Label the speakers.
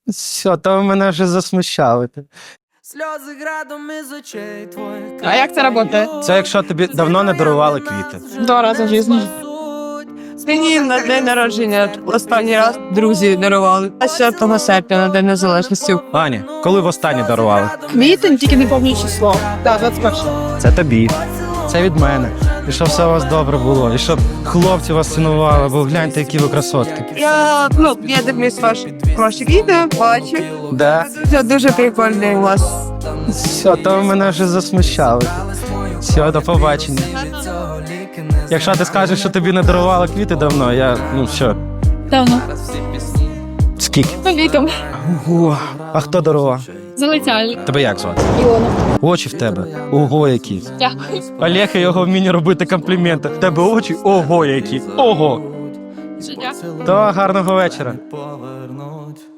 Speaker 1: Все, то ви мене вже засмущали.
Speaker 2: Сльози градом із очей твоїх.
Speaker 3: А як це працює?
Speaker 1: Це якщо тобі давно не дарували квіти.
Speaker 3: Два рази в житті. Мені на день народження останній раз друзі дарували. А 4 серпня на День Незалежності.
Speaker 1: Аня, коли востаннє дарували?
Speaker 3: Квітень, тільки не пам'ятаю число. Так, 21.
Speaker 1: Це тобі. Це від мене. І щоб все у вас добре було. І щоб хлопці вас цінували, бо гляньте, які ви красотки.
Speaker 3: Я дивлюсь ваші відео, бачу.
Speaker 1: Да?
Speaker 3: Це дуже прикольний у вас.
Speaker 1: Все, то ви мене вже засмущали. Все, до побачення. Якщо ти скажеш, що тобі не дарували квіти давно, все.
Speaker 4: Давно.
Speaker 1: Скільки?
Speaker 4: Віком.
Speaker 1: Ого. А хто дарував?
Speaker 4: Залетяли.
Speaker 1: Тебе як звати?
Speaker 4: Іона.
Speaker 1: Очі в тебе. Ого, які.
Speaker 4: Дякую.
Speaker 1: Олег і його вміння робити компліменти. В тебе очі ого які. Ого.
Speaker 4: Дуже дякую.
Speaker 1: То гарного вечора.
Speaker 2: Повернуть.